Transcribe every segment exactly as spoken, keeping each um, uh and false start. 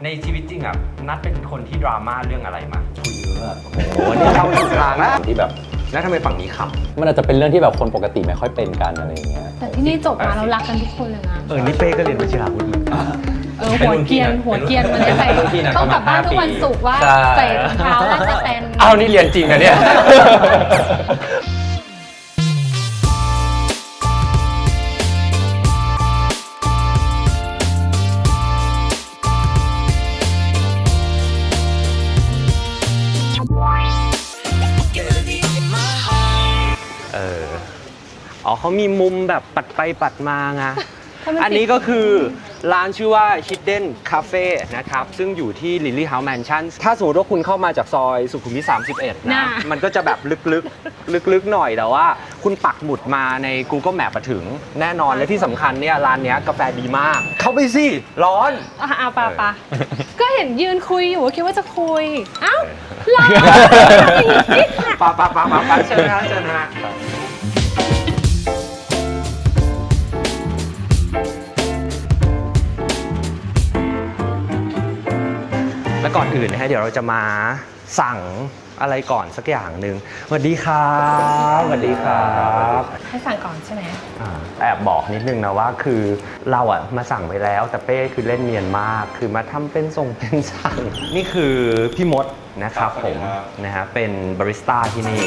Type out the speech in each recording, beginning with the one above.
ในชีวิตจริงอ่ะนัดเป็นคนที่ดราม่าเรื่องอะไรมาคุยเยอะอะโอ้โหนี่เข้าถูกทางแล้วที่แบบแล้วทำไมฝั่งนี้ขมันอาจจะเป็นเรื่องที่แบบคนปกติไม่ค่อยเป็นกันอะไรอย่างเงี้ยแต่ที่นี่จบมาเรารักกันทุกคนเลยนะำเออนี่เป้ก็เรียนวชิราวุธเหมือนกันเออหัวเกรียนหัวเกรียนมันจะใส่ต้องกลับบ้านทุกวันศุกร์ว่าใส่รองเท้าน่าจะเป็นอ้าวนี่เรียนจริงนะเนี่ย เอออ๋อเขามีมุมแบบปัดไปปัดมาไง อันนี้ก็คือร้านชื่อว่า Hidden Cafe นะครับ ซึ่งอยู่ที่ Lily House Mansion ถ้าสมมติว่าคุณเข้ามาจากซอยสุขุมวิทสามสิบเอ็ดนะ มันก็จะแบบลึกๆ ลึกๆ หน่อยแต่ว่าคุณปักหมุดมาใน Google Map มาถึงแน่นอนและที่สำคัญเนี่ยร้านเนี้ยกาแฟดีมาก เข้าไปสิ ร้อนอ่ะอ่ะปะปะก็เห็นยืนคุยอยู่คิดว่าจะคุยเอ้าเราปาปาปาปาปาเชิญนะเชิญนะแล้วก่อนอื่นนะฮะเดี๋ยวเราจะมาสั่งอะไรก่อนสักอย่างหนึ่งสวัสดีครับสวัสดีครับให้สั่งก่อนใช่ไหมอ่าแอบบอกนิดนึงนะว่าคือเราอะมาสั่งไปแล้วแต่เป้คือเล่นเนียนมาก คือมาทำเป็นส่งเป็นสั่งนี่คือพี่มดนะครับผมนะฮะเป็นบาริสต้าที่นี่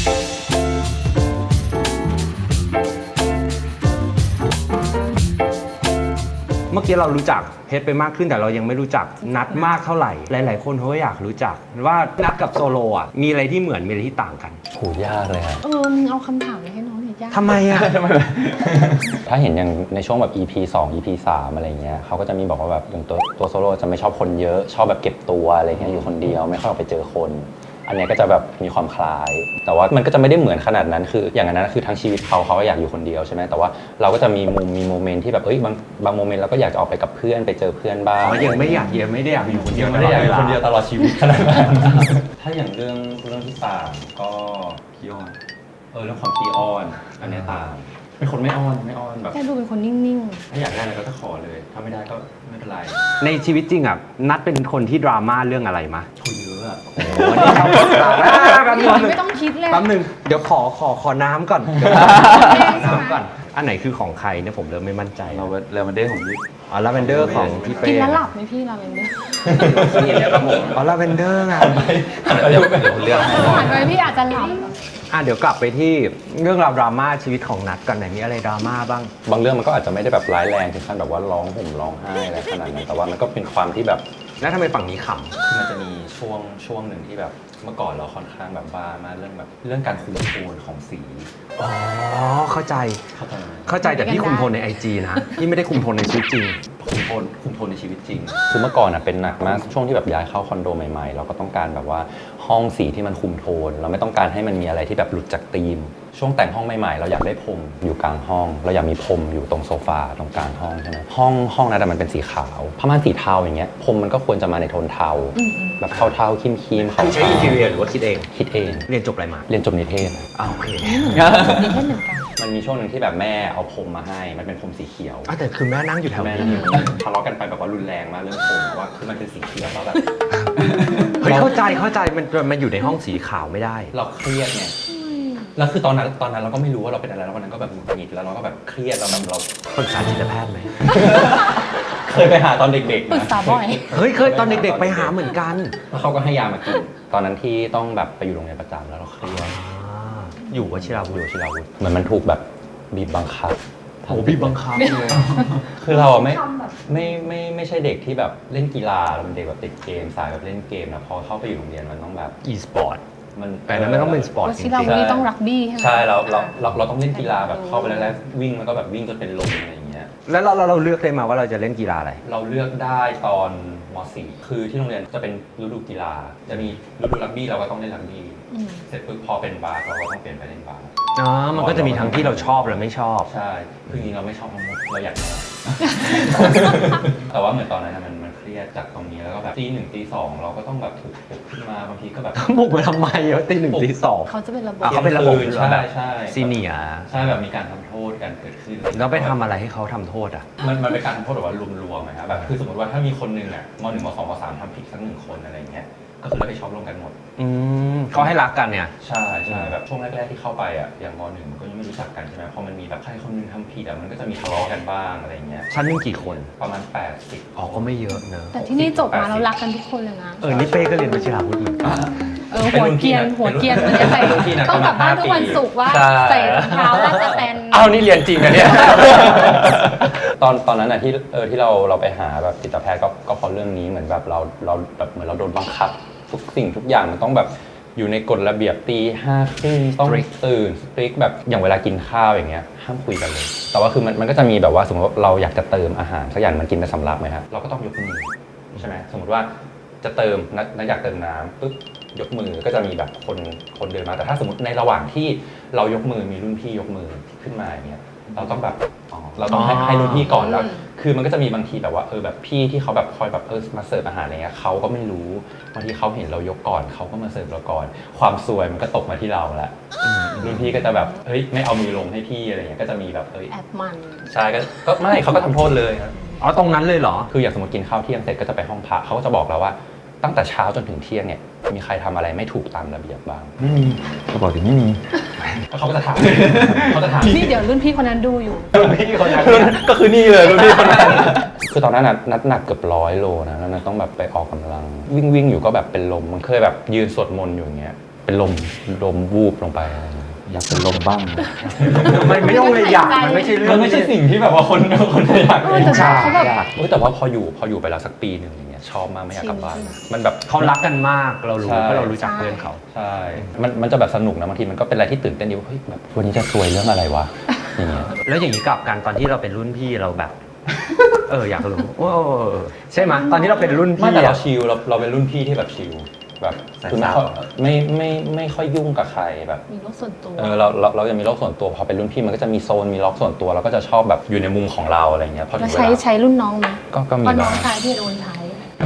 เมื่อกี้เรารู้จักเพชรไปมากขึ้นแต่เรายังไม่รู้จักนัดมากเท่าไหร่หลาย ๆ คนเขาก็อยากรู้จักว่านัดกับโซโลอ่ะมีอะไรที่เหมือนมีอะไรที่ต่างกันโหยากเลยครับเออมึงเอาคำถามไปให้น้องหน่อยยากทำไมอ่ะถ้าเห็นอย่างในช่วงแบบ อี พี สอง อี พี สาม อะไรเงี้ยเขาก็จะมีบอกว่าแบบอย่างตัวตัวโซโล่จะไม่ชอบคนเยอะชอบแบบเก็บตัวอะไรเงี้ยอยู่คนเดียวไม่ค่อยออกไปเจอคนอันนี้ก็จะแบบมีความคล้ายแต่ว่ามันก็จะไม่ได้เหมือนขนาดนั้นคืออย่างนั้นคือทั้งชีวิตเขาเขาก็อยากอยู่คนเดียวใช่ไหมแต่ว่าเราก็จะมีมุมมีโมเมนต์ที่แบบเอ้ยบางบางโมเมนต์เราก็อยากจะออกไปกับเพื่อนไปเจอเพื่อนบ้างอ๋อยังไม่อยากเยอะไม่ได้อยากอยู่คนเดียวไม่ได้อยากอยู่คนเดียวตตลลออดดชีวิตขนาดนั้นถ้าอย่างเรื่องเรื่องที่ต่างก็ขี้อ้อนเออเรื่องของขี้อ้อนอันนี้ต่างเป็นคนไม่อ้อนไม่อ้อนแบบแค่ดูเป็นคนนิ่งถ้าอยากได้อะไรก็จะขอเลย ถ้าไม่ได้ก็ไม่เป็นไรในชีวิตจริงอ่ะนัดเป็นคนที่ดราม่าเรื่องอะไรมาคุยเยอะอะโอ้โหนี่เข้าถูกทางแล้วแป๊บนึงๆไม่ต้องคิดเลยแป๊บนึงเดี๋ยวขอขอขอน้ำก่อนเดี๋ยวขอน้ำก่อนอันไหนคือของใครเนี่ยผมเริ่มไม่มั่นใจเราเลมอนเดย์ของพี่อ๋อลาเวนเดอร์ของพี่เป้กินแล้วหลับไหมพี่เราเป็นเนี่ยนี่เนี่ยครับผมอ๋อลาเวนเดอร์ไงเดี๋ยวเดี๋ยวเลือกให้ผ่านไปพี่อาจจะหลับอ่ะเดี๋ยวกลับไปที่เรื่องราวดราม่าชีวิตของนัดกันไหนมีอะไรดราม่าบ้างบางเรื่องมันก็อาจจะไม่ได้แบบร้ายแรงถึงขั้นแบบว่าร้องห่มร้องไห้อะไรขนาดนั้นแต่ว่ามันก็เป็นความที่แบบแล้วทำไมฝั่งนี้ขมันจะมีช่วงช่วงหนึ่งที่แบบเมื่อก่อนเราค่อนข้างแบบบ้ามากเรื่องแบบเรื่องการคุมโทนของสีำอ๋อเข้าใจเข้าใจไหมเข้าใจแต่พี่คุมโทนในไอจีนะพี่ไม่ได้คุมโทนในชีวิตจริงคุมโทนคุมโทนในชีวิตจริง คือเมื่อก่อนอ่ะเป็นหนักมากช่วงที่แบบย้ายเข้าคอนโดใหม่ๆ เราก็ต้องการแบบว่าห้องสีที่มันคุมโทน เราไม่ต้องการให้มันมีอะไรที่แบบหลุดจากธีม ช่วงแต่งห้องใหม่ๆ เราอยากได้พรมอยู่กลางห้อง เราอยากมีพรมอยู่ตรงโซฟาตรงกลางห้องใช่ไหมห้องห้องนั้นอะมันเป็นสีขาวผ้าม่านสีเทาอย่างเงี้ยพรมมันก็ควรจะมาในโทนเทาแบบเทาๆครีมๆขาวคือใช้อินทีเรียหรือว่าคิดเองคิดเองเรียนจบอะไรมาเรียนจบนิเทศอ่าโอเคมีแค่เหมือนกันมันมีช่วงหนึ่งที่แบบแม่เอาพรมมาให้ มันเป็นพรมสีเขียวอ่ะแต่คือแม่นั่งอยู่แถวแม่นี้นั่งทะเลาะกันไปแบบว่ารุนแรงมากเรื่องพรมเพราะว่าคือมันเป็นสีเขียวแล้วแบบเฮ้ยเข้าใจเข้าใจมันมันอยู่ในห้องสีขาวไม่ได้เราเครียดไงแล้วคือตอนนั้นตอนนั้นเราก็ไม่รู้ว่าเราเป็นอะไรแล้ววันนั้นก็แบบหงุดหงิดแล้วเราก็แบบเครียดเราแบบเราปรึกษาจิตแพทย์ไหมเคยไปหาตอนเด็กๆปรึกษาบ่อยเฮ้ยเคยตอนเด็กๆไปหาเหมือนกันแล้วเขาก็ให้ยามากิน ตอนนั้นที่ต้องแบบไปอยู่โรงเรียนประจำแล้วเราเครียดอยู่วชิราวุธอยู่ชิลาวุธเหมือนมันถูกแบบบีบบังคับโอ้บีบบังคับเลยคือเราอะไม่ไม่ไม่ไม่ใช่เด็กที่แบบเล่นกีฬาเราเป็นเด็กแบบติดเกมสายแบบเล่นเกมนะพอเข้าไปอยู่โรงเรียนมันต้องแบบอีสปอร์ตมันแต่นั้นไม่ต้องเป็นสปอร์ตว่าจริที่งเราๆวันนี้ต้องรักบี้ใช่ไหมใช่เราเราเราเราต้องเล่นกีฬาแบบเข้าไปแล้ววิ่งมันก็แบบวิ่งจนเป็นลมอะไรอย่างเงี้ยแล้วเราเราเราเลือกได้มาว่าเราจะเล่นกีฬาอะไรเราเลือกได้ตอนม .สี่ คือที่โรงเรียนจะเป็นฤดูกีฬา จะมีฤดูรักบี้เราก็ต้องเล่นรักบี้อืมเสร็จปุ๊บพอเป็นบาสเราก็ต้องเปลี่ยนไปเล่นบาสอ๋อ มันก็จะมีทั้งที่เราชอบและไม่ชอบใช่คือจริงๆเราไม่ชอบทั้งหมดเราอยากแต่ว่าเหมือนตอนนั้นมันมันเครียดจากตรงนี้แล้วก็แบบตีหนึ่งตีสองเราก็ต้องแบบถูกปลุกขึ้นมาบางทีก็แบบบุกมาทำไมเยอะตีหนึ่งตีสองเขาจะเป็นระบบอ่ะเขาเป็นระบบใช่ใช่ซีเนียร์ใช่แบบมีการทำโทษกันเกิดขึ้นแล้วไปทำอะไรให้เขาทำโทษอ่ะมันมันเป็นการทำโทษแบบว่ารวมๆนะครับแบบคือสมมติว่าถ้ามีคนหนึ่งอ่ะมหนึ่งมสองมสามทำผิดสักหนึ่งคนอะไรเงี้ยก็คือรับผิดชอบร่วมกันหมดอืมเขาให้รักกันเนี่ยใช่ใช่แบบช่วงแรกๆที่เข้าไปอ่ะอย่างมหนึ่งมันก็ยังไม่รู้จักกันใช่ไหมพอมันมีแบบใครคนหนึงทำผิดอ่ะมันก็จะมีทะเลาะกันบ้างอะไรเงี้ยชั้นหนึงกี่คนประมาณแปดสิบอ๋อก็ไม่เยอะเนอะแต่ที่นี่จบมาแล้วรักกันทุกคนเลยนะเออนี่เป้ก็เรียนวชิราวุธเหมือนกันเออหัวเกรียนหัวเกรียนมันจะใส่ต้องกลับบ้านทุกวันศุกร์ว่าใส่รองเท้าราชแตนอ้าวนี่เรียนจริงนะเนี่ย ตอนตอนนั้นอ่ะที่เออที่เราเราไปหาแบบจิตแพทย์ก็ก็เพราะเรื่องนี้เหมือนแบบเราเราแบบเหมือนเราโดนบังคับทุกสิ่งทุกอย่างมันต้องแบบอยู่ในกฎระเบียบตีห้าครึ่งต้องตื่นสตริกแบบอย่างเวลากินข้าวอย่างเงี้ยห้ามคุยกันเลยแต่ว่าคือมันมันก็จะมีแบบว่าสมมติว่าเราอยากจะเติมอาหารสักอย่างมันกินไปสำรับไหมครับเราก็ต้องยกมือใช่ไหมสมมติว่าจะเติมนักนักอยากเติมน้ำปุ๊บยกมือก็จะมีแบบคนคนเดินมาแต่ถ้าสมมติในระหว่างที่เรายกมือมีรุ่นพี่ยกมือขึ้นมาอย่างเงี้ยเราต้องแบบเราต้องให้ให้รุ่นพี่ก่อนแล้วคือมันก็จะมีบางทีแบบว่าเออแบบพี่ที่เขาแบบคอยแบบเออมาเสิร์ฟอาหารอะไรเงี้ยเขาก็ไม่รู้บางทีเขาเห็นเรายกก่อนเขาก็มาเสิร์ฟเราก่อนความซวยมันก็ตกมาที่เราแหละรุ่นพี่ก็จะแบบเฮ้ยไม่เอามือลงให้พี่อะไรเงี้ยก็จะมีแบบเอ้ยแอบมันใช่ก็ก็ไม่เขาก็ทำโทษเลยครับอ๋อตรงนั้นเลยเหรอคืออย่างสมมติกินข้าวเที่ยงเสร็จก็จะไปห้องพักเขาก็จะบอกเราว่าตั้งแต่เช้าจนถึงเที่ยงเนี่ยมีใครทำอะไรไม่ถูกตามระเบียบบ้างไม่มีเขาบอกถึงไม่มีเขาก็จะถามเขาจะถามนี่เดี๋ยวรุ่นพี่คนนั้นดูอยู่รุ่นพี่คนนั้นก็คือนี่เลยรุ่นพี่คนนั้นคือตอนนั้นนัดหนักเกือบร้อยโลนะแล้วต้องแบบไปออกกำลังวิ่งวิ่งอยู่ก็แบบเป็นลมมันเคยแบบยืนสวดมนต์อยู่อย่างเงี้ยเป็นลมลมวูบลงไปอยากเป็นลมบ้างมันไม่ต้องเลยอยากมันไม่ใช่เรื่องมันไม่ใช่สิ่งที่แบบว่าคนคนอยากเออแต่เขาแบบเฮ้ยแต่ว่าพออยู่พออยู่ไปแล้วสักปีหนึ่งอย่างเงี้ยชอบมากไม่อยากกลับบ้านมันแบบเขารักกันมากเรารู้ใช่เพราะเรารู้จักเพื่อนเขาใช่ มันมันจะแบบสนุกนะบางทีมันก็เป็นอะไรที่ตื่นเต้นดีว่าเฮ้ยแบบวันนี้จะซวยเรื่องอะไรวะอย่างเงี้ยแล้วอย่างนี้กลับกันตอนที่เราเป็นรุ่นพี่เราแบบ เอออยากรู้โอ้ใช่ไหมตอนที่เราเป็นรุ่นไม่พี่แต่เราอะชิลเราเราเป็นรุ่นพี่ที่แบบชิลแบบคือไม่ค่อยไม่ไม่ไม่ค่อยยุ่งกับใครแบบมีโลกส่วนตัวเออเราเราเราจะมีโลกส่วนตัวพอเป็นรุ่นพี่มันก็จะมีโซนมีล็อกส่วนตัวเราก็จะชอบแบบอยู่ในมุมของเราอะไรเงี้ยพอถึแล้วงเวใช้ลาใช้รุ่นน้องไหมก็ก็มีเพราะน้บ้าองงชายที่โดนใช้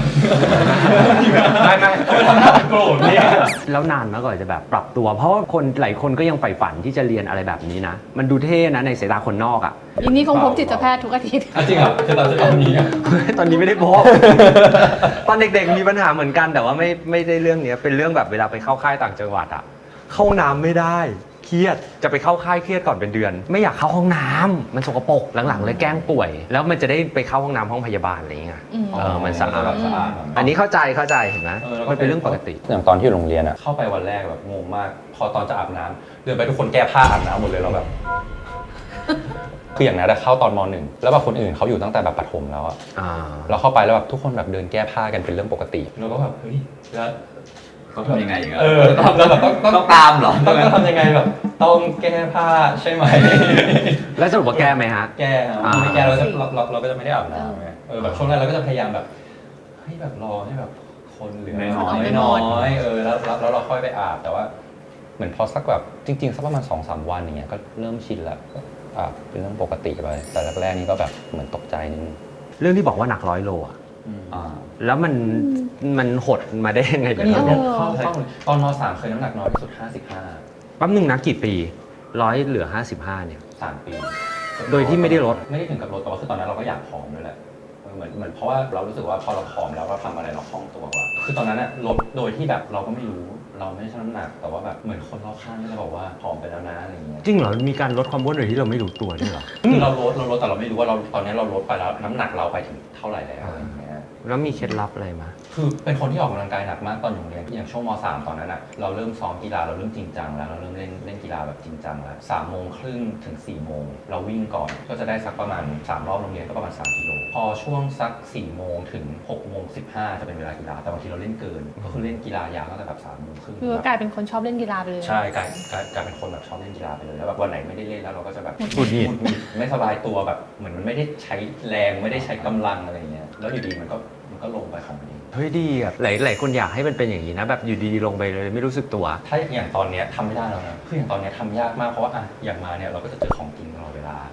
ไม่ไม่ทำหน้าโกรธเนี่ยแล้วนานมากกว่าจะแบบปรับตัว เพราะว่าคนหลายคนก็ยังใฝ่ฝันที่จะเรียนอะไรแบบนี้นะ มันดูเท่นะในสายตาคนนอกอ่ะอินนี่คงพบจิตแพทย์ทุกอาทิตย์จริงเหรอคือตอนตอนนี้ตอนนี้ไม่ได้พบ ตอนเด็กๆมีปัญหาเหมือนกันแต่ว่าไม่ไม่ได้เรื่องเนี้ยเป็นเรื่องแบบเวลาไปเข้าค่ายต่างจังหวัดอ่ะเข้าห้องน้ำไม่ได้เครียดจะไปเข้าค่ายเครียดก่อนเป็นเดือน ไม่อยากเข้าห้องน้ำมันสกปรกหลังๆเลยแกล้งป่วย แล้วมันจะได้ไปเข้าห้องน้ำห้องพยาบาลอะไรอย่างเงี้ยอืมเออมันสะอาดสะอาดอันนี้เข้าใจเข้าใจเห็นไหมมันเป็นเรื่องปกติอย่างตอนที่อยู่โรงเรียนอะเข้าไปวันแรกแบบงงมาก พอตอนจะอาบน้ำเดินไปทุกคนแก้ผ้าอาบน้ำหมดเลยเราแบบ คืออย่างนั้นเข้าตอนมหนึ่งแล้วแบบคนอื่นเขาอยู่ตั้งแต่แบบประถมแล้วอะอ่าเราเข้าไปแล้วแบบทุกคนแบบเดินแก้ผ้ากันเป็นเรื่องปกติเราก็แบบเฮ้ยแล้วต้องทำยังไงอย่างเงี้ยเออแล้วแบบต้องต้องต้องตามเหรอต้องต้องทำยังไงแบบต้องแก้ผ้าใช่ไหมแล้วสรุปว่าแก้ไหมฮะแก้ครับอ่าไม่แก้เราก็เราเราเราก็จะไม่ได้อาบน้ำไงเออแบบช่วงแรกเราก็จะพยายามแบบเฮ้ยแบบรอให้แบบคนเหลือน้อยๆน้อยๆเออแล้วแล้วแล้วเราค่อยไปอาบแต่ว่า เหมือนพอสักแบบจริงๆสักประมาณสองสามวันอย่างเงี้ยก็เริ่มชินแล้วก็อาบเป็นเรื่องปกติไปแต่แรกๆนี่ก็แบบเหมือนตกใจนิดนึงเรื่องที่บอกว่าหนักร้อยโลอะอ่าแล้วมันมันหดมาได้ยังไงเดี๋ยวเอนะอเข้าเข้าตอนมสามเคยน้ำหนักน้อยที่สุดห้าสิบห้าแป๊บนึงนะกี่ปีร้อยเหลือห้าสิบห้าเนี่ยสามปีโดยที่ไม่ได้ลดไม่ได้ถึงกับลดแต่ว่าคือตอนนั้นเราก็อยากผอมด้วยแหละเออเหมือนเหมือนเพราะว่าเรารู้สึกว่าพอเราผอมแล้วเราทำอะไรเราคล่องตัวกว่าคือตอนนั้นอะลดโดยที่แบบเราก็ไม่รู้เราไม่ได้ชั่งน้ำหนักแต่ว่าแบบเหมือนคนรอบข้างก็จะบอกว่าผอมไปแล้วนะอะไรอย่างเงี้ยจริงเหรอมีการลดความอ้วนโดยที่เราไม่รู้ตัวด้วยเหรอคือเราลดเราลดแต่เราไม่รู้ว่าเราตอนนี้เราลดไปแล้วน้ำหนักเราไปถึงเท่าไหร่แล้วอะไรอย่างเงี้ยแล้วมีเคล็ดลับอะไรมาคือเป็นคนที่ออกกำลังกายหนักมากตอนอยู่โรงเรียนอย่างช่วงมสามตอนนั้นอะเราเริ่มซ้อมกีฬาเราเริ่มจริงจังแล้วเราเริ่มเล่นเล่นกีฬาแบบจริงจังแล้วสามโมงครึ่งถึงสี่โมงเราวิ่งก่อนก็จะได้สักประมาณสามรอบโรงเรียนก็ประมาณสามกิโลพอช่วงสักสี่โมงถึงหกโมงสิบห้าจะเป็นเวลากีฬาแต่บางทีเราเล่นเกินก็คือเล่นกีฬายาวตั้งแต่แบบสามโมงครึ่งคือว่ากลายเป็นคนชอบเล่นกีฬาไปเลยใช่กลายกลายกลายเป็นคนแบบชอบเล่นกีฬาไปเลยแล้วแบบวันไหนไม่ได้เล่นแล้วเราก็จะแบบหงุดหงิดหงิดไม่สบายตัวแบบเหมือนมันไม่ได้ใช้แรงไม่ได้ใช้กำลังอะไรเงี้ยแล้วอยู่ดีมันก็มันก็ลงไปของมันเองเฮ้ยดีอ่ะหลายหลายคนอยากให้มันเป็นอย่างนี้นะแบบอยู่ดีๆลงไปเลยไม่รู้สึกตัวถ้าอย่างตอนเนี้ยทำไม่ได้แล้วนะคืออย่างตอนเนี้ยทำยากมากเพราะว่าอ่ะอย่างมาเนี่ยเราก็จะเจอของกินตลอดเวลาอืมอื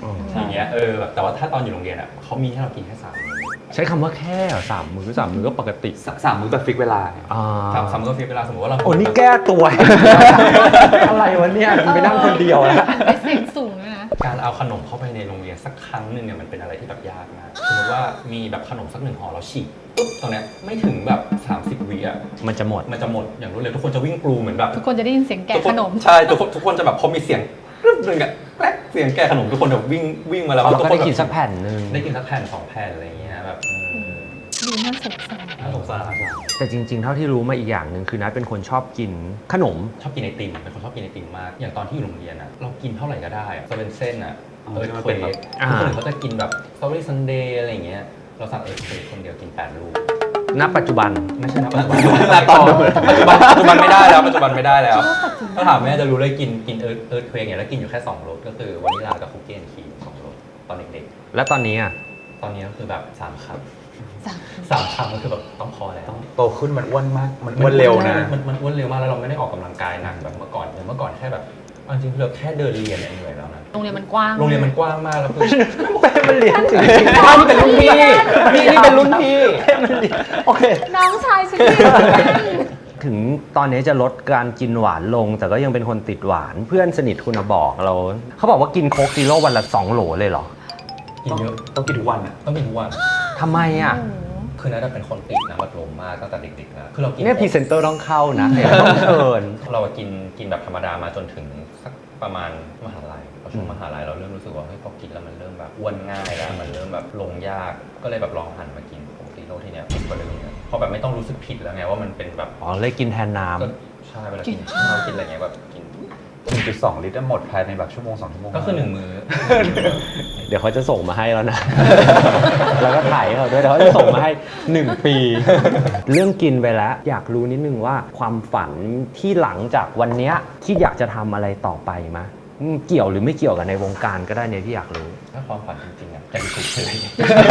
อ๋ออย่างเงี้ยเออแบบแต่ว่าถ้าตอนอยู่โรงเรียนอ่ะเขามีให้เรากินแค่สามมื้อใช้คำว่าแค่เหรอสามมื้อสามมื้อก็ปกติสสามมื้อแบบฟิกเวลาอ่าสามสามมื้อก็ฟิกเวลาสมมติว่าเราโอ้นี่แก้ตัว อะไรวะเนี่ยไปนั่งคนเดียวแล้วไปเสียงสูงเลยนะการเอาขนมเข้าไปในโรงเรียนสักครั้งหนึ่งเนี่ยมันเป็นอะไรที่แบบยากมากสมมติว่ามีแบบขนมสักหนึ่งห่อเราฉีกปุ๊บตรงเนี้ยไม่ถึงแบบสามสิบวิอ่ะมันจะหมดมันจะหมดอย่างรวดเร็วทุกคนจะวิ่งกรูเหมือนแบบทุกคนจะได้ยินเสียงแกะทุกคขนนมใช่ทุกคนทุกคนจะแบบพอมีเสียงรึบหนึ่งอะแกรกเสียงแกะขนมทุกคนแบบวิ่งวิ่งมาแล้วเราทุก็คได้แบบกินสักแผ่นหนึ่งได้กินสักแผ่นสองแผ่นอะไรอย่างเงี้ยแบบเออดูน่าสงสารน่าสงสารแต่จริงๆ เท่าที่รู้มาอีกอย่างหนึ่งคือนัทเป็นคนชอบกินขนมชอบกินไอติมเป็นคนชอบกินไอติมมากอย่างตอนที่อยู่โรงเรียนอะเรากินเท่าไหร่ก็ได้อะจะเป็นเส้นอะเออเควกอ่าทุกคนอื่นเขาจะกินแบบสตรอเบอรี่ซันเดย์อะไรอย่างเงี้ยเราสั่งเออเควกคนเดียวกินแปดลูกณปัจจุบันไม่ใช่นะปัจจุบันแต่ตอนปัจจุบันปัจจุบันไม่ได้แล้วปัจจุบันไม่ได้แล้วถ้าถามแม่จะรู้เลยกินกินเอิร์ธเอิร์ธเควกเนี่ยแล้วกินอยู่แค่สองรสก็คือวานิลลากับคุกกี้แอนด์ครีมสองรสตอนเด็กและตอนนี้อ่ะๆตอนนี้ก็คือแบบสามคำสามสามคำก็คือแบบต้องพอแล้วโตขึ้นมันอ้วนมาก มันอ้วนเร็วนะมันมันอ้วนเร็วมากแล้วเราไม่ได้ออกกำลังกายหนักแบบเมื่อก่อนอย่างเมื่อก่อนแค่แบบเอาจริงๆเราแค่เดินเรียนเนี่ยเหนื่อยแล้วนะโรงเรียนมันกว้างโรงเรียนมันกว้างมากแล้วคือเป้มันเรียนจริงๆอ้าวนี่เป็นรุ่นพี่นี่นี่เป็นรุ่นพี่เป้มันเรียนโอเคน้องชายฉันถึงตอนนี้จะลดการกินหวานลง แต่ก็ยังเป็นคนติดหวานเพื่อนสนิทคุณน่ะบอกเรา เขาบอกว่ากินโค้กซีโร่วันละสองโหลเลยเหรอกินเยอะต้องกินทุกวันอ่ะต้องกินทุกวันทำไมอ่ะคือนัทเป็นคนติดน้ำอัดลมมากตั้งแต่เด็กๆแล้วคือเรากินเนี่ยพรีเซนเตอร์ต้องเข้านะเดี๋ยวต้องเชิญเรากินกินแบบธรรมดามาจนถึงสักประมาณมหาลัยพอช่วงมหาลัยเราเริ่มรู้สึกว่าเฮ้ยพอกินแล้วมันเริ่มแบบอ้วนง่ายแล้วมันเริ่มแบบลงยากก็เลยแบบลองหันมากินโค้กซีโร่ทีเนี้ยผิดกว่าเดิมเนี่ยเพราะแบบไม่ต้องรู้สึกผิดแล้วไงว่ามันเป็นแบบอ๋อเลยกินแทนน้ก็ใช่เวลากินข้าวกินอะไรเงี้ยแบบกินหนึ่งจุดสอง ลิตรหมดภายในแบบชั่วโมงสองชั่วโมงก็คือหนึ่งมื้อำเดี๋ยวเขาจะส่งมาให้แล้วนะ แล้วก็ถ่ายให้เขาด้วยเดี๋ยวเขาจะส่งมาให้หนึ่งปี เรื่องกินไปแล้ว อยากรู้นิดนึงว่าความฝันที่หลังจากวันเนี้ยที่อยากจะทำอะไรต่อไปมะอืมเกี่ยวหรือไม่เกี่ยวกับในวงการก็ได้เนี่ยที่อยากรู้ถ้าความฝันจริงๆอ่ะอยากอยู่เฉย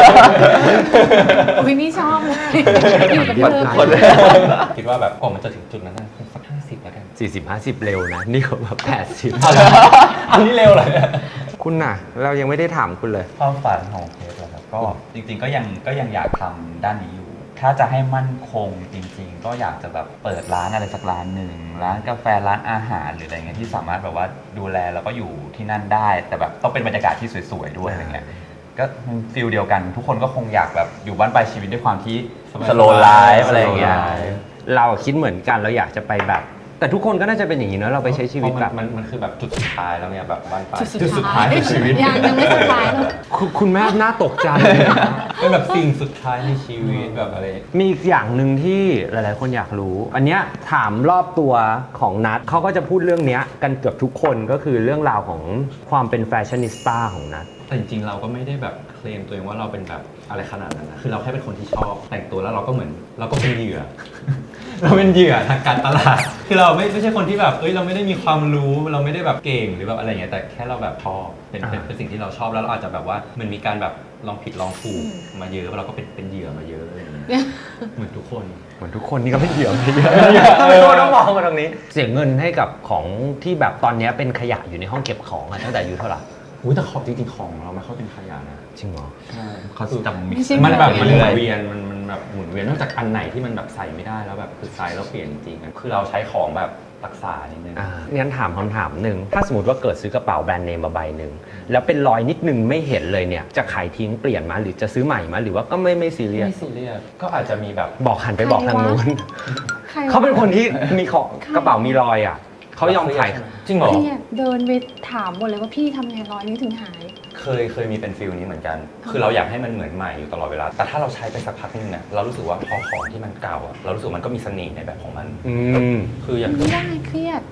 อุ้ยนี่ชอบเลยอยู่กับเธอคนเลยๆคิดว่าแบบก่อนมันจะถึงจุดนั้นนะสักห้าสิบแล้วกันสี่สิบห้าสิบเร็วนะ นี่เขาแบบแปดสิบอันนี้เร็วเลยเนี่ยคุณน่ะ เรายังไม่ได้ถามคุณเลยความฝันของเพชรเหรอครับ ก็จริงๆก็ยังก็ยังอยากทำด้านนี้อยู่ ถ้าจะให้มั่นคงจริง ๆ ก็อยากจะแบบเปิดร้านอะไรสักร้านหนึ่งร้านกาแฟร้านอาหารหรืออะไรเงี้ยที่สามารถแบบว่าดูแลแล้วก็อยู่ที่นั่นได้ แต่แบบต้องเป็นบรรยากาศที่สวยๆด้วยอะไรเงี้ย ก็ฟิลเดียวกัน ทุกคนก็คงอยากแบบอยู่บ้านปลายชีวิตด้วยความที่สโลไลฟ์อะไรอย่างเงี้ยเราคิดเหมือนกันเราอยากจะไปแบบ แต่ทุกคนก็น่าจะเป็นอย่างนี้เนอะเราไปใช้ชีวิตแบบมันมันคือแบบจุดสุดท้ายแล้วเนี่ยแบบบ้านปลายจุดสุดท้ายในชีวิตยังยังไม่สุดท้ายเลยคุณคุณแม่น่าตกใจเป็นแบบสิ่งสุดท้ายในชีวิตแบบอะไรมีอีกอย่างหนึ่งที่หลายๆ คนอยากรู้ อันเนี้ยถามรอบตัวของนัทเขาก็จะพูดเรื่องเนี้ยกันเกือบทุกคนก็คือเรื่องราวของความเป็นแฟชั่นนิสต้าของนัทแต่จริงๆเราก็ไม่ได้แบบเคลมตัวเองว่าเราเป็นแบบอะไรขนาดนั้นนะคือเราแค่เป็นคนที่ชอบแต่งตัวแล้วเราก็เหมือนเราก็เป็นเหยื่อ เราเป็นเหยื่อทางการตลาด คือเราไม่ไม่ใช่คนที่แบบเอ้ยเราไม่ได้มีความรู้เราไม่ได้แบบเก่งหรือแบบอะไรเงี้ยแต่แค่เราแบบชอบเป็นเป็นเป็นสิ่งที่เราชอบแล้วเราอาจจะแบบว่ามันมีการแบบลองผิดลองถูกมาเยอะเราก็เป็นเป็นเหยื่อมาเยอะอะไรอย่างเงี้ยเหมือนทุกคนเหมือนทุกคนนี่ก็เป็นเหยื่อไม่เยอะไม่ต้องมองมาตรงนี้ เสียเงินให้กับของที่แบบตอนเนี้ยเป็นขยะอยู่ในห้องเก็บของอะตั้งแต่อายุเท่าไหร่อุ้ยแต่ของจริงๆของเราไม่ค่อยเป็นขยะนะจริงเหรอใช่เขาจะมิกไม่ซ์ใช่มันแบบมันหเรื่มุอยนเวียนมันมันแบบหมุนเวียนนอกจากอันไหนที่มันแบบใส่ไม่ได้แล้วแบบคือใส่แล้วเปลี่ยนจริงๆคือเราใช้ของแบบรักษานิดนึงอ่างั้นถามคำถามหนึ่งถ้าสมมติว่าเกิดซื้อกระเป๋าแบรนด์เนมมาใบหนึ่งแล้วเป็นรอยนิดนึงไม่เห็นเลยเนี่ยจะขายทิ้งเปลี่ยนมาหรือจะซื้อใหม่มาหรือว่าก็ไม่ไม่ซีเรียสไม่ซีเรียสก็อาจจะมีแบบบอกหันไปบอกทางนู้นใครวะเขาเป็นคนที่มีของกระเป๋ามีรอยอ่ะเขายอมขายจริงเหรอเครียดเดินไปถามหมดเลยว่าพี่ทำไงร้อยนี้ถึงหายเคยเคยมีเป็นฟิลนี้เหมือนกัน คือเราอยากให้มันเหมือนใหม่อยู่ตลอดเวลา แต่ถ้าเราใช้ไปสักพักนึงเนี่ยเรารู้สึกว่าพอของที่มันเก่าอะเรารู้สึกมันก็มีเสน่ห์ในแบบของมันอืมคืออย่างไม่ได้เครียด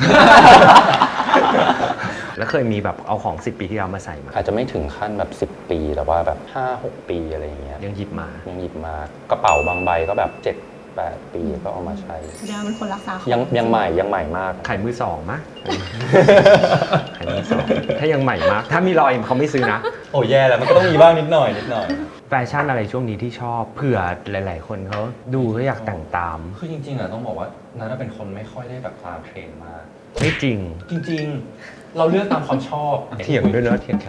แล้วเคยมีแบบเอาของสิบปีที่แล้วมาใส่มาอาจจะไม่ถึงขั้นแบบสิบปีแต่ว่าแบบห้าหกปีอะไรอย่างเงี้ยยังหยิบมายังหยิบมากระเป๋าบางใบก็แบบเจ็ดแปดปีก็เอามาใช้แสดงว่าเป็นคนรักษาของยังยังใหม่ยังใหม่มากขายมือสองมะ ขายมือสองถ้ายังใหม่มาก ถ้ามีรอยเขาไม่ซื้อนะโอ้แย่แล้วมันก็ต้องมีบ้างนิดหน่อยนิดหน่อยแฟชั่นอะไรช่วงนี้ที่ชอบเผื่อหลาย ๆ คนเขาดูเขาอยากแต่งตามคือจริงๆอะต้องบอกว่านัทเป็นคนไม่ค่อยได้แบบตามเทรนด์มากไม่จริงจริงๆ เราเลือกตามความชอบเถียงด้วยนะเถียงแขก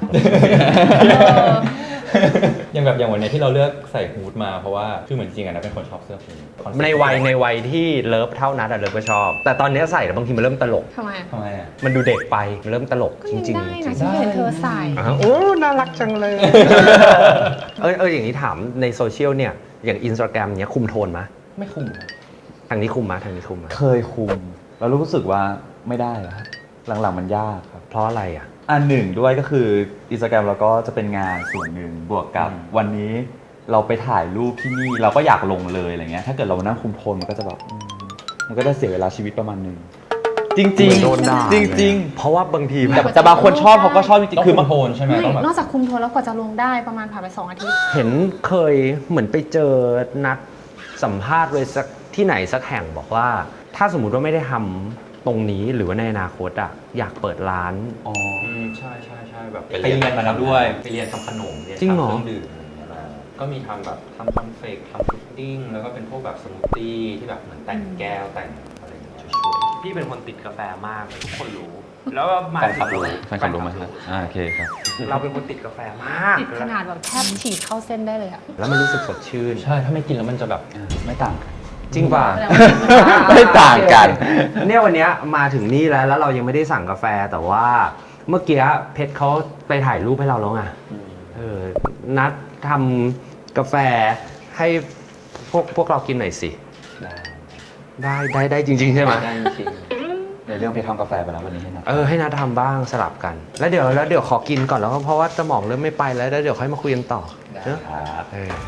อย่างแบบอย่างวันนี้ที่เราเลือกใส่ฮูดมาเพราะว่าคือเหมือนจริงอะนะเป็นคนชอบเสื้อฮูดในวัยในวัยที่เลิฟเท่านัดอะเลิฟก็ชอบ แต่ตอนนี้ใส่แล้วบางทีมันเริ่มตลกทำไมทำไมอะมันดูเด็กไปมันเริ่มตลกจริงๆจริงได้นะฉันเห็นเธอใส่อ่าโอ้น่ารักจังเลย เออเอออย่างนี้ถามในโซเชียลเนี่ยอย่างอินสตาแกรมเนี้ยคุมโทนมะไม่คุ้มทางนี้คุมมะทางนี้คุมมะเคยคุมแล้วรู้สึกว่าไม่ได้แล้วครับหลังๆมันยากครับเพราะอะไรอ่ะอันหนึ่งด้วยก็คืออินสตาแกรมเราก็จะเป็นงานส่วนหนึ่งบวกกับวันนี้เราไปถ่ายรูปที่นี่เราก็อยากลงเลยอะไรเงี้ยถ้าเกิดเรานั่งคุมโทนมันก็จะแบบอืมมันก็จะเสียเวลาชีวิตประมาณหนึงจริงๆโดนด่าจริงเพราะว่าบางทีๆแบแต่บแต่บางคนชอบเขาก็ชอบจริงต้องๆคือคุบาม งโทนใช่ไหมไม่ต้องแบบนอกจากคุมโทนแล้วกว่าจะลงได้ประมาณผ่านไปสองอาทิตย์เห็นเคยเหมือนไปเจอนัดสัมภาษณ์ไว้สักที่ไหนสักแห่งบอกว่า ถ้าสมมุติว่าไม่ได้ทำตรงนี้หรือว่าในอนาคตอ่ะอยากเปิดร้านอ๋ออืมใช่ใช่ใช่แบบไปเรียนมาแล้วด้วยไปเรียนทำขนมเรียนจริงเหรอทำเครื่องดื่มอะไรอย่างเงี้ยมาก็มีทำแบบทำคอนเฟกทำพุดดิ้งแล้วก็เป็นพวกแบบสมูทตี้ที่แบบเหมือนแต่งแก้วแต่งอะไรอย่างเงี้ยช่วยๆพี่เป็นคนติดกาแฟมากทุกคนรู้ แล้วมาแฟนคลับรู้แฟนคลับรู้ไหมครับอ่าโอเคครับเราเป็นคนติดกาแฟมากติดขนาดแบบแทบฉีดเข้าเส้นได้เลยอะแล้วมันรู้สึกสดชื่นใช่ถ้าไม่กินแล้วมันจะแบบไม่ต่างกันจริงป่ะแสดงว่าไม่ต่างกันเนี่ยวันเนี้ยมาถึงนี่แล้วแล้วเรายังไม่ได้สั่งกาแฟแต่ว่าเมื่อกี้เพชรเขาไปถ่ายรูปให้เราแล้วไงเออนัดทำกาแฟให้พวกพวกเรากินหน่อยสิได้ได้ได้ได้จริง ๆ ใช่ไหมได้จริงในเรื่องเพจทำกาแฟไปแล้ววันนี้ให้นะเออให้นัดทำบ้างสลับกัน แล้วเดี๋ยวแล้วเดี๋ยวขอกินก่อนแล้วก็เพราะว่าสมองเริ่มไม่ไปแล้วแล้วเดี๋ยวค่อยมาคุยกันต่อเนอะครับเออ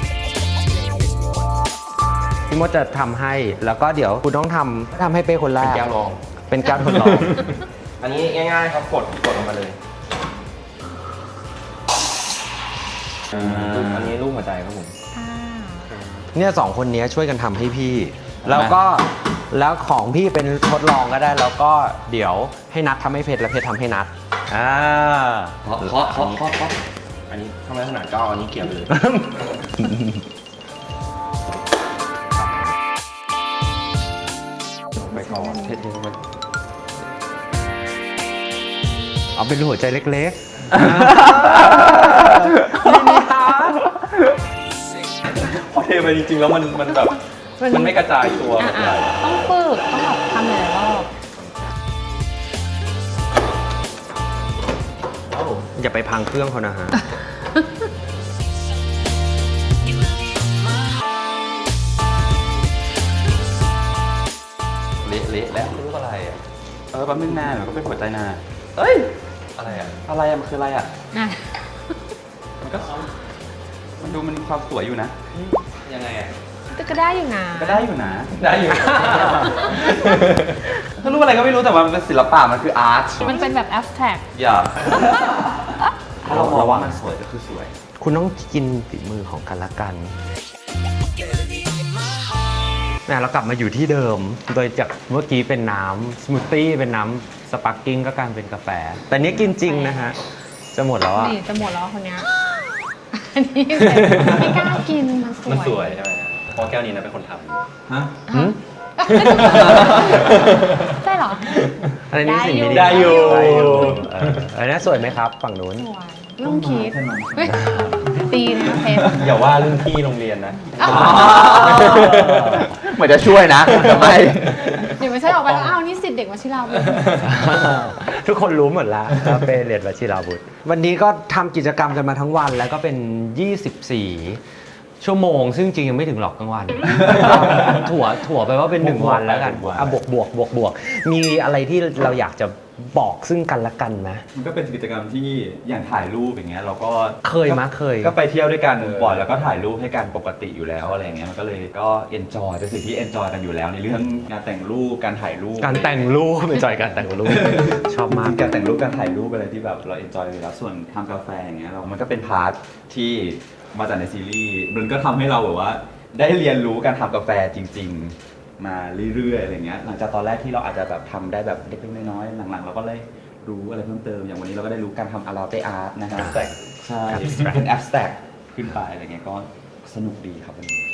พี่มดจะทำให้แล้วก็เดี๋ยวคุณต้องทำทำให้เป้คนแรเป็นกแก้วรองเป็นแก้วทดลองอันนี้ง่ายๆครับกดกดลงมาเลยอันนี้รูปหัวใจครับผมอ่าเนี่ยสองคนนี้ช่วยกันทำให้พี่ แล้วก็แล้วของพี่เป็นทดลองก็ได้ แล้วก็เดี๋ยวให้นัดทำให้เพชรและเพชรทำให้นัดอ่าเคาะเคาะเคาะเคาะเคาะอันนี้ทำไมขนาดก็เอาอันนี้เกี่ยวไปเลยไปก่อนเท่ๆไปเอาเป็นหัวใจเล็กๆพอเทไปจริงๆแล้วมันมันแบบมันไม่กระจายตัวอ่ะแบบอ่ะต้องฝึกต้องแบบทำหลายๆรอบอย่าไปพังเครื่องเขานะฮะเละเละแล้วรูปอะไรอ่ะเออแป๊บนึงนามันก็เป็นหัวใจนาเอ้ยอะไรอ่ะอะไรอะมันคืออะไรอะอ่ะมันก็มันดูมันความสวยอยู่นะยังไงอ่ะแต่ก็ได้อยู่นะก็ได้อยู่นะได้อยู่ถ้ารู้อะไรก็ไม่รู้แต่ว่ามันเป็นศิลปะมันคืออาร์ตมันเป็นแบบแอสแท็กอย่าถ้าเรามองว่ามันสวยก็คือสวยคุณต้องกินฝีมือของกันและกันนะเรากลับมาอยู่ที่เดิม โดยจากเมื่อกี้เป็นน้ำสมูทตี้เป็นน้ำสปาร์กิ้งก็กลายเป็นกาแฟ แต่เนี้ยกินจริงนะฮะ จะหมดแล้วอ่ะนี่จะหมดแล้วคนเนี้ยอันนี้ไม่กล้ากินมันสวยมันสวยใช่ไหมเพราะแก้วนี้นะเป็นคนทำฮะหืมใช่เหรออันนี้สิ่งที่ได้อยู่ได้อยู่เอออันนี้สวยไหมครับ ฝั่งนู้นสวยลุงคิดเฮ้ยตีนะเพชรอย่าว่ารุ่นพี่โรงเรียนนะเหมือนจะช่วยนะแต่ไม่เดี๋ยวไม่ใช่ออกไปแล้วอ้าวนี่สิทธิ์เด็กวชิราวุธทุกคนรู้หมดแล้วว่าเป้เรียนวชิราวุธวันนี้ก็ทำกิจกรรมกันมาทั้งวันแล้วก็เป็น ยี่สิบสี่ ชั่วโมง ซึ่งจริงยังไม่ถึงหรอกกลางวัน ถั่วถั่วไปว่าเป็นหนึ่งวันแล้วกันอ่ะบวกบวกบวกบวกมีอะไรที่เราอยากจะบอกซึ่งกันและกันไหมมันก็เป็นกิจกรรมที่อย่างถ่ายรูปอย่างเงี้ยเราก็เคยมะเคยก็ไปเที่ยวด้วยกันบ่อยแล้วก็ถ่ายรูปให้กันปกติอยู่แล้วอะไรเงี้ยมันก็เลยก็เอนจอยเป็นสิ่งที่เอนจอยกันอยู่แล้วในเรื่องงานแต่งรูปการถ่ายรูปการแต่งรูปเป็นจอยการแต่งรูป ชอบมากการแต่งรูปการถ่ายรูปอะไรที่แบบเราเอนจอยอยู่แล้วส่วนทำกาแฟอย่างเงี้ยเรามันก็เป็นพาร์ทที่มาจากในซีรีส์มันก็ทำให้เราแบบว่า ได้เรียนรู้การทำกาแฟจริง ๆ มาเรื่อยๆอะไรเงี้ยหลังจากตอนแรกที่เราอาจจะแบบทำได้แบบเล็กๆน้อยๆหลังๆเราก็เลยรู้อะไรเพิ่มเติมอย่างวันนี้เราก็ได้รู้การทำอาราเตอาร์ตนะครับ Abstract ใช่ Abstract เป็นแอบสแต็กขึ้นไปอะไรเงี้ยก็สนุกดีครับวันนี้แต่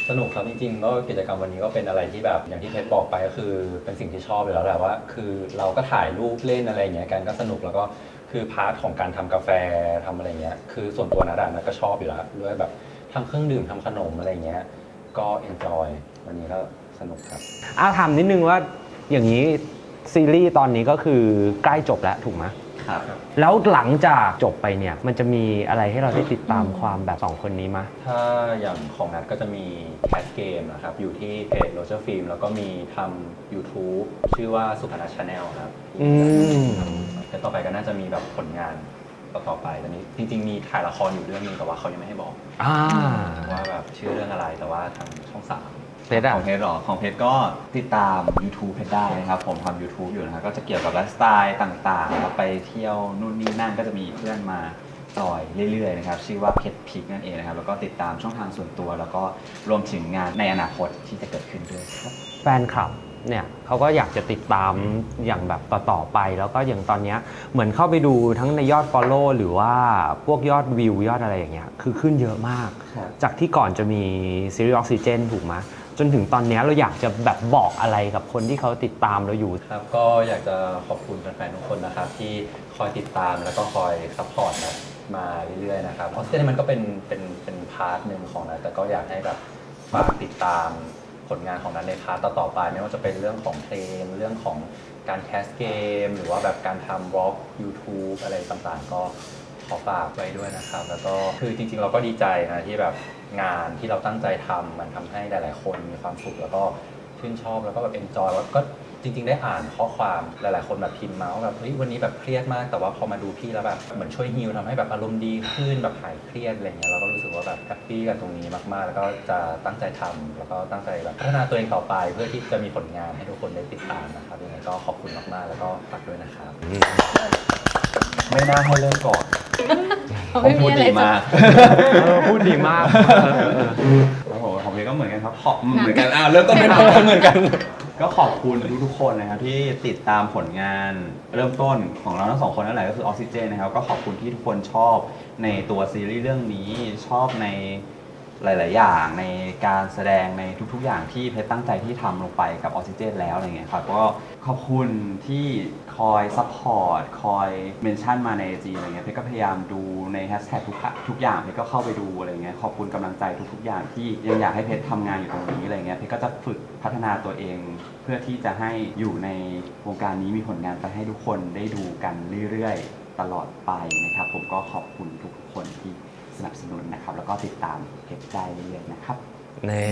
สนุกครับจริงๆก็กิจกรรมวันนี้ก็เป็นอะไรที่แบบอย่างที่เพชรบอกไปก็คือเป็นสิ่งที่ชอบอยู่แล้วแหละว่า คือเราก็ถ่ายรูปเล่นอะไรอย่างเงี้ยกันก็สนุกแล้วก็คือพาร์ทของการทำกาแฟทำอะไรเงี้ยคือส่วนตัวนะดานะก็ชอบอยู่แล้วด้วยแบบทำเครื่องดื่มทำขนมอะไรเงี้ยก็เอนจอยวันนี้ก็สนุกครับอาถามนิดนึงว่าอย่างนี้ซีรีส์ตอนนี้ก็คือใกล้จบแล้วถูกไหมครับแล้วหลังจากจบไปเนี่ยมันจะมีอะไรให้เราได้ติดตามความแบบสองคนนี้มะถ้าอย่างของนัดก็จะมีแคสเกมนะครับอยู่ที่เพจโรเจอร์ฟิล์มแล้วก็มีทำ YouTube ชื่อว่าสุพนัชชาแนลครับอืมแต่ต่อไปก็น่าจะมีแบบผลงานต่อๆไปตอนนี้จริงๆมีถ่ายละครอยู่เรื่องนึงแต่ว่าเขายังไม่ให้บอกอ่าว่าแบบชื่อเรื่องอะไรแต่ว่าทางช่องสามเพชรอะของเพชรหรอของเพชรก็ติดตาม YouTube เพชรได้นะครับ ผมทำ YouTube อยู่นะครับก็จะเกี่ยวกับไลฟ์สไตล์ต่างๆแล้วไปเที่ยวนู่นนี่นั่นก็จะมีเพื่อนมาจอยเรื่อยๆนะครับชื่อว่าเพชรพิกนั่นเองนะครับแล้วก็ติดตามช่องทางส่วนตัว แล้วก็รวมถึงงานในอนาคตที่จะเกิดขึ้นด้วยครับแฟนคลับเนี่ยเขาก็อยากจะติดตามอย่างแบบต่อๆไป แล้วก็อย่างตอนเนี้ยเหมือนเข้าไปดูทั้งในยอด Follow หรือว่าพวกยอดวิวยอดอะไรอย่างเงี้ยคือขึ้นเยอะมากครับจากที่ก่อนจะมีซีรีส์ออกซิเจนถูกไหมจนถึงตอนเนี้ยเราอยากจะแบบบอกอะไรกับคนที่เขาติดตามเราอยู่ครับก็อยากจะขอบคุณแฟนๆทุกคนนะครับที่คอยติดตามแล้วก็คอยซัพพอร์ตนะมาเรื่อยๆนะครับออสเตรเลียมันก็เป็นเป็นเป็นพาร์ทหนึ่งของนะแต่ก็อยากให้แบบฝากติดตามผลงานของนั้นในพาร์ทต่อๆไปไม่ว่าจะเป็นเรื่องของเพลงเรื่องของการแคสเกมหรือว่าแบบการทำบล็อก YouTube อะไรต่างๆ ก็ขอฝากไว้ด้วยนะครับแล้วก็คือจริงๆเราก็ดีใจนะที่แบบงานที่เราตั้งใจทำมันทำให้หลายๆคนมีความสุขแล้วก็ชื่นชอบแล้วก็แบบเอนจอยแล้วก็จริงๆได้อ่านข้อความหลายๆคนแบบพิมพ์มาว่าแบบเฮ้ยวันนี้แบบเครียดมากแต่ว่าพอมาดูพี่แล้วแบบเหมือนช่วยฮีลทำให้แบบอารมณ์ดีขึ้นแบบหายเครียดอะไรเงี้ยเราก็รู้สึกว่าแบบแฮปปี้กับตรงนี้มากๆ แล้วก็จะตั้งใจทำแล้วก็ตั้งใจแบบพัฒนาตัวเองต่อไป เพื่อที่จะมีผลงานให้ทุกคนได้ติดตามนะครับยังไงก็ขอบคุณมากๆแล้วก็ฝากด้วยนะครับไม่น่าให้เริ่มก่อนเขาไม่มีอะไรจะเออพูดดีมากเออเออโอ้โหของเพชรก็เหมือนกันครับขอบเหมือนกันอ้าวเริ่มต้นเป็นเหมือนกัน ก็ขอบคุณทุกๆคนนะครับที่ติดตามผลงานเริ่มต้นของเราทั้งสองคนนั่นแหละก็คือออกซิเจนนะครับก็ขอบคุณที่ทุกคนชอบในตัวซีรีส์เรื่องนี้ชอบในหลาย ๆ อย่างในการแสดงในทุก ๆ อย่างที่เพชรตั้งใจที่ทำลงไปกับออกซิเจนแล้วอะไรเงี้ยครับก็ขอบคุณที่คอยซัพพอร์ตคอยเมนชั่นมาในจีอะไรเงี้ยเพชรก็พยายามดูในแฮชแท็กทุกทุกอย่างเพชรก็เข้าไปดูอะไรเงี้ยขอบคุณกำลังใจทุก ๆ อย่างที่ยังอยากให้เพชรทำงานอยู่ตรงนี้อะไรเงี้ยเพชรก็จะฝึกพัฒนาตัวเอง เพื่อที่จะให้อยู่ในวงการนี้มีผลงานไปให้ทุกคนได้ดูกันเรื่อย ๆ ตลอดไปนะครับผมก็ขอบคุณทุกๆคนที่สนับสนุนนะครับแล้วก็ติดตามเพจได้เรื่อยๆนะครับนี่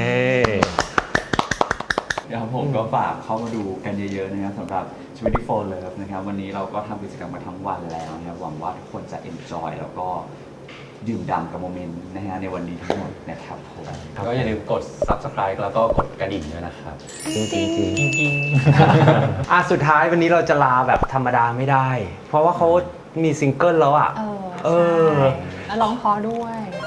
เดี๋ยวผมก็ฝากเข้ามาดูกันเยอะๆนะครับสำหรับทเวนตี้โฟร์ Love นะครับวันนี้เราก็ทำกิจกรรมมาทั้งวันแล้วนะครับหวังว่าทุกคนจะ enjoy แล้วก็ดื่มด่ำกับโมเมนต์นะฮะในวันนี้ทั้งหมดนะครับผมก็อย่าลืมกด Subscribe แล้วก็กดกระดิ่งด้วยนะครับจริงจริงจริงจริงอ่ะสุดท้ายวันนี้เราจะลาแบบธรรมดาไม่ได้ เพราะว่าเขามีซิงเกิลแล้วอ่ะเออเออใช่แล้วร้องเพอด้วย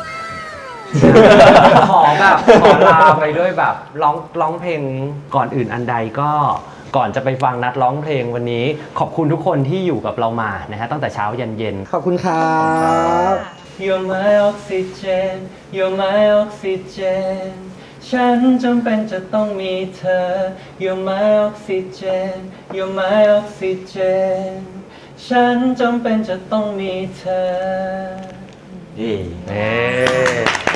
ขอแบบขอลาไปด้วยแบบร้องร้องเพลงก่อนอื่นอันใดก็ก่อนจะไปฟังนัดร้องเพลงวันนี้ ขอบคุณทุกคนที่อยู่กับเรามานะฮะตั้งแต่เช้ายันเย็นขอบคุณครับ You're my oxygen You're my oxygen ฉันจำเป็นจะต้องมีเธอ You're my oxygen You're my oxygen ฉันจำเป็นจะต้องมีเธอเย้